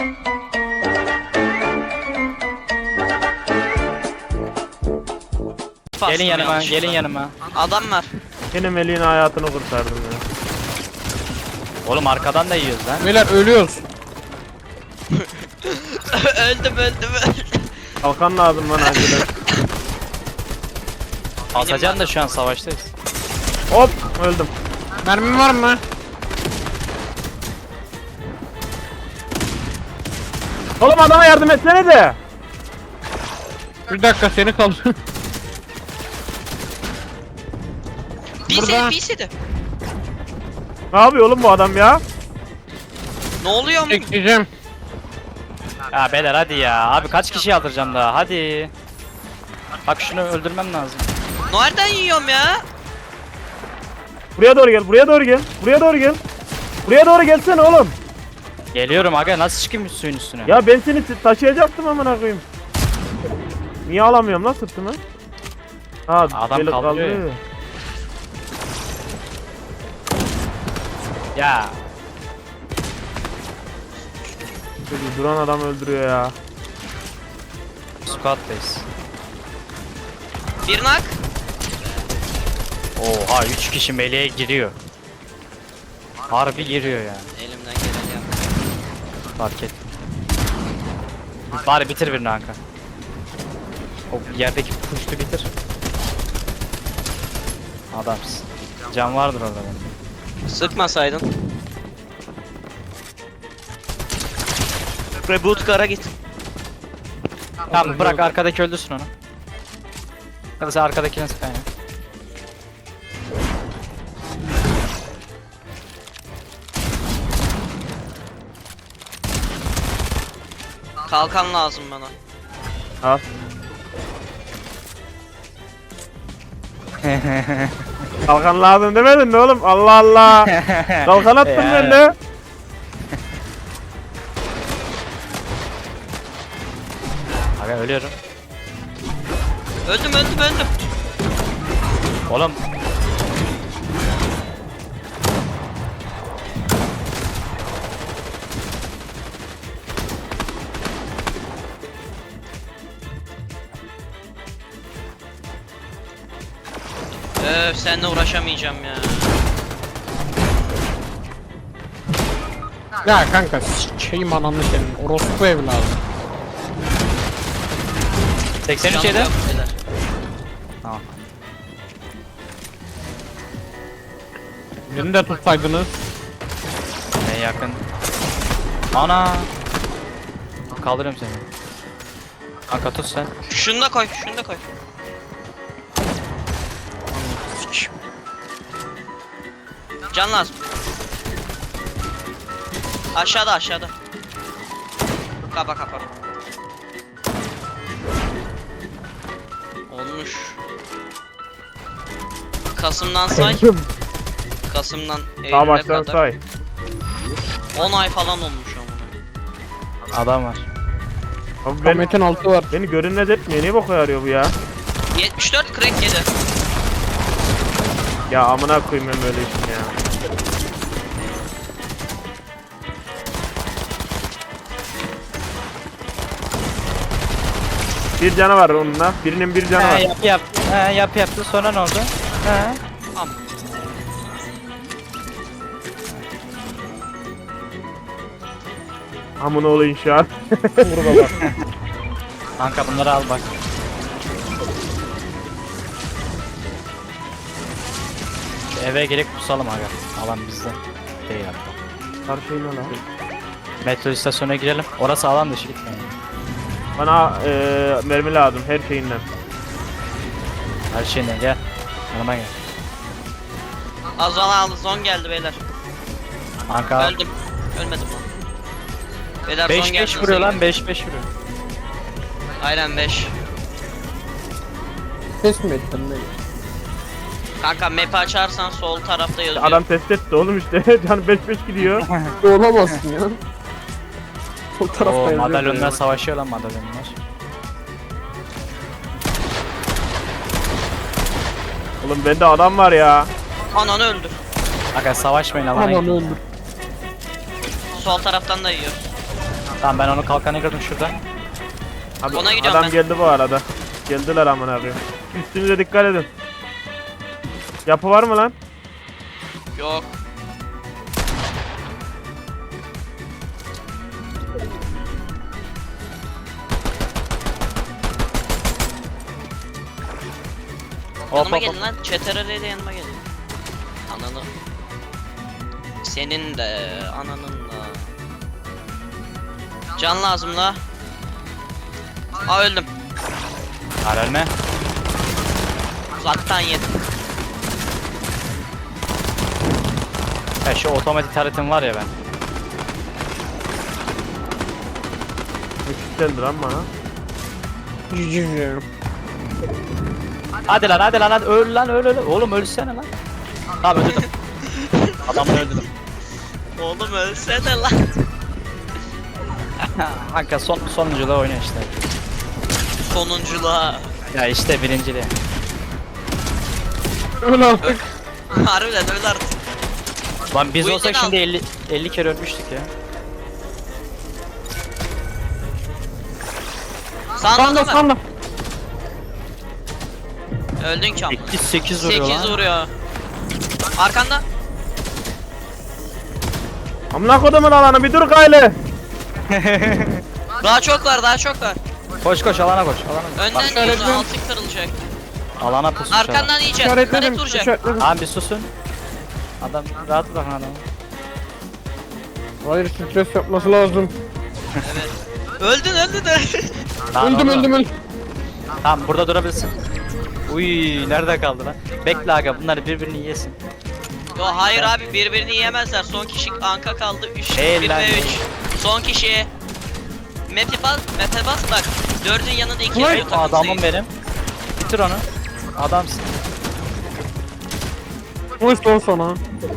Gelin yanıma, gelin yanıma. Adam var. Yine Melih'in hayatını kurtardım ya. Oğlum arkadan da yiyoruz lan. Beyler ölüyoruz. öldüm. Kalkan lazım lan acilen. Basacan da şu an savaştayız. Hop öldüm. Mermin var mı? Oğlum adama yardım etsene de. Bir dakika seni kaldı. Burada. BC'di. Ne yapıyor oğlum bu adam ya? Ne oluyor mu? Bekleyeceğim. Ya beyler hadi ya. Abi kaç kişi aldıracağım daha hadi. Bak şunu öldürmem lazım. Nereden yiyorum ya? Buraya doğru gel, buraya doğru gel. Buraya doğru gel. Buraya doğru gelsene oğlum. Geliyorum aga, nasıl çıkayım suyun üstüne? Ya ben seni taşıyacaktım amına koyayım. Niye alamıyorum lan sırtımı? Ha, Adam böyle kaldırıyor kaldırıyor. Ya. Şöyle duran adam öldürüyor ya. Squad'dayız. Bir nak. Oha 3 kişi meleğe giriyor. Harbi giriyor yani. Elimden geleni yap. Fark ettim. Bari bitir birini Anka. O yerdeki puştu bitir. Adamsın. Can vardır orada benim. Sıkmasaydın. Reboot kara git. Tamam bırak arkadaki öldürsün onu. Ya da sen arkadakine sıkan ya. Kalkan lazım bana. Al. Kalkan lazım demedin mi oğlum? Allah Allah. Kalkan attım Ya. ben de. Aga ölüyorum. Öldüm. Oğlum. Seninle uğraşamayacağım ya. Ya kanka şeyim ananı senin. Orospu evladı. 83 yedi. Canım yok beyler. Tamam. Beni de tutsaydınız. En yakın. Ana. Kaldırıyorum seni. Kanka tut sen. Şunu da koy. Can lazım. Aşağıda. Kapa. Olmuş. Kasım'dan say. Kasım'dan Daha Eylül'e baştan kadar. say. 10 ay falan olmuş ama. Adam var. Abi ben, Ahmet'in altı var. beni görünmez etmiyor. Niye boka yarıyor bu ya? 74 crack yedi. Ya amına koyayım ben böyle işin ya. Bir canı var onunla. Birinin bir canı var. Yaptı. Sonra ne oldu? He. Tamam. Amına olayım şu an. Burada bak. Kanka bunları al bak. Şu eve gelip kusalım aga. Alan bizde. Değil hatta. Karşıyla lan. Metro istasyonuna girelim. Orası alan dışı gitmeyin. Bana mermi lazım her şeyinden. Her şeyine gel. Yanıma gel. Zon geldi beyler. Kanka Öldüm. Ölmedim lan. Beyler 5-5 vuruyor lan 5-5 vuruyor. Aynen 5. Ses mi ettin beni? Kanka map'i açarsan sol tarafta yazıyor. Adam test etti oğlum işte. Can 5-5 gidiyor. Olamazsın ya. Sol tarafta Oo yazıyor. madalyonlar savaşıyor lan madalyonlar. Oğlum bende adam var ya. Ananı öldür. Aga savaşmayın alana Aman gidin. öldür. Sol taraftan da yiyor. Tamam ben onu kalkanı kırdım şurada. Abi, Ona gidiyorum adam ben. geldi bu arada. Geldiler amına koyayım. Üstünüze dikkat edin. Yapı var mı lan? Yok. Hop Yanıma hop hop. gelin lan. Çeterele de yanıma gelin. Ananı. Senin de ananın da. Can lazım la. Aa öldüm. Var ölme. Uzaktan yedim. Ya şu otomatik taritim var ya ben. Müthiş geldi lan bana. Cücücü. Hadi lan hadi lan hadi öl lan öl. Oğlum ölsene lan. Tamam öldürdüm. Adamı öldürdüm. Oğlum ölsene lan. Kanka sonunculuğa oynuyor işte. Sonunculuğa. Ya işte birinciliğe. Öl artık. Harbiden öl artık. Lan biz Bu olsak yüzden şimdi 50 kere ölmüştük ya. Sağında Sanda mı? sanda. Öldün ki ama. 8 vuruyor 8 lan. vuruyor. Arkanda. Amına kodumun alanı bir dur gayle. Daha çok var, daha çok var. Koş koş alana koş. Alana. Bak, Önden yiyorsun, altı kırılacak. alana pusmuş adam. Arkandan yiyeceksin. İşaretledim. Karet vuracak. İşaretledim. Abi bir susun. Adam rahat bırakın adamı. Hayır stres yapması lazım. Öldün. Lan Öldüm oğlum. öldüm. Tamam burada durabilirsin. Uy nerede kaldı lan? Bekle aga bunlar birbirini yesin. Yo hayır abi birbirini yiyemezler. Son kişi Anka kaldı. 3 Hey 1 lan. ve 3. Son kişi. Map'e bas bak. 4'ün yanında 2 Vay, yazıyor Adamım benim. Bitir onu. Adamsın. Hoş lan sana.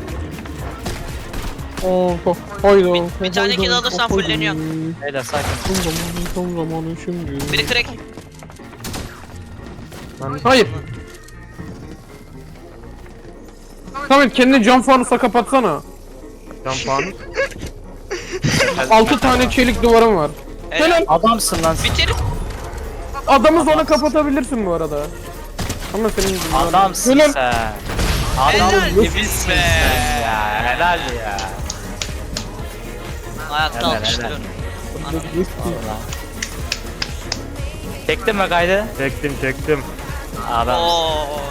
Oh, hayda. Bir tane kill alırsan fulleniyor. Beyler sakin. Son zamanı şimdi. Biri crack. Hayır. Samet kendini cam fanusa kapatsana. Can fanus. 6 tane çelik duvarım var. Helal. Adamsın lan. sen. Bitir. Adamı sonra kapatabilirsin bu arada. Ama senin yüzünden. Adamsın Helal. sen. Adam Helal gibisin be. sen ya. Helal ya. Hayatta Helal, alkışlıyorum. Vallahi. Çektin mi kaydı? Çektim. Adam. Oo.